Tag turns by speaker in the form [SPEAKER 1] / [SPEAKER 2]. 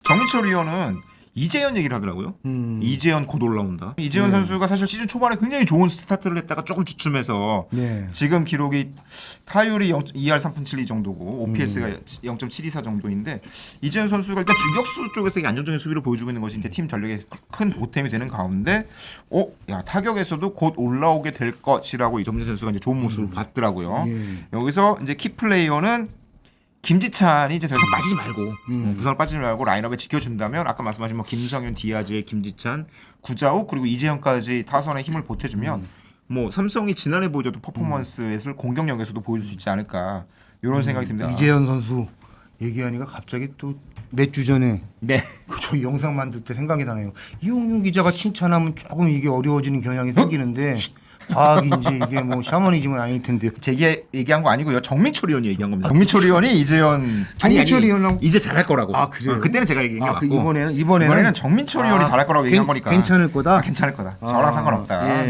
[SPEAKER 1] 정민철 의원은 이재현 얘기를 하더라고요. 이재현 곧 올라온다. 이재현 선수가 사실 시즌 초반에 굉장히 좋은 스타트를 했다가 조금 주춤해서
[SPEAKER 2] 네.
[SPEAKER 1] 지금 기록이 타율이 2할 3푼 7리 정도고 OPS가 0.724 정도인데 이재현 선수가 일단 주격수 쪽에서 되게 안정적인 수비를 보여주고 있는 것이 이제 팀 전력에 큰 보탬이 되는 가운데 야 타격에서도 곧 올라오게 될 것이라고 이정민 선수가 이제 좋은 모습을 봤더라고요. 여기서 이제 키 플레이어는 김지찬이 이제 더 이상 빠지지 말고 부상을 빠지지 말고 라인업에 지켜준다면 아까 말씀하신 뭐 김성윤, 디아즈, 김지찬, 구자욱 그리고 이재현까지 타선에 힘을 보태주면 뭐 삼성이 지난해 보여줬던 퍼포먼스를 공격력에서도 보여줄 수 있지 않을까 이런 생각이 듭니다.
[SPEAKER 2] 이재현 선수 얘기하니까 갑자기 또 몇 주 전에
[SPEAKER 1] 네.
[SPEAKER 2] 저 영상 만들 때 생각이 나네요. 이용윤 기자가 칭찬하면 조금 이게 어려워지는 경향이 생기는데 과학인지 이게 뭐 샤머니즘은 아닐 텐데요.
[SPEAKER 1] 제게 얘기한 거 아니고요. 정민철 의원이 얘기한 겁니다. 정민철 의원이 이재현
[SPEAKER 2] 정민철 의원하고
[SPEAKER 1] 이제 잘할 거라고.
[SPEAKER 2] 아, 그래요?
[SPEAKER 1] 그때는 제가 얘기한 게 맞고
[SPEAKER 2] 이번에는
[SPEAKER 1] 이번에는 정민철 의원이 잘할 거라고 얘기한 거니까
[SPEAKER 2] 괜찮을 거다.
[SPEAKER 1] 괜찮을 거다. 저랑 상관없다.
[SPEAKER 2] 예.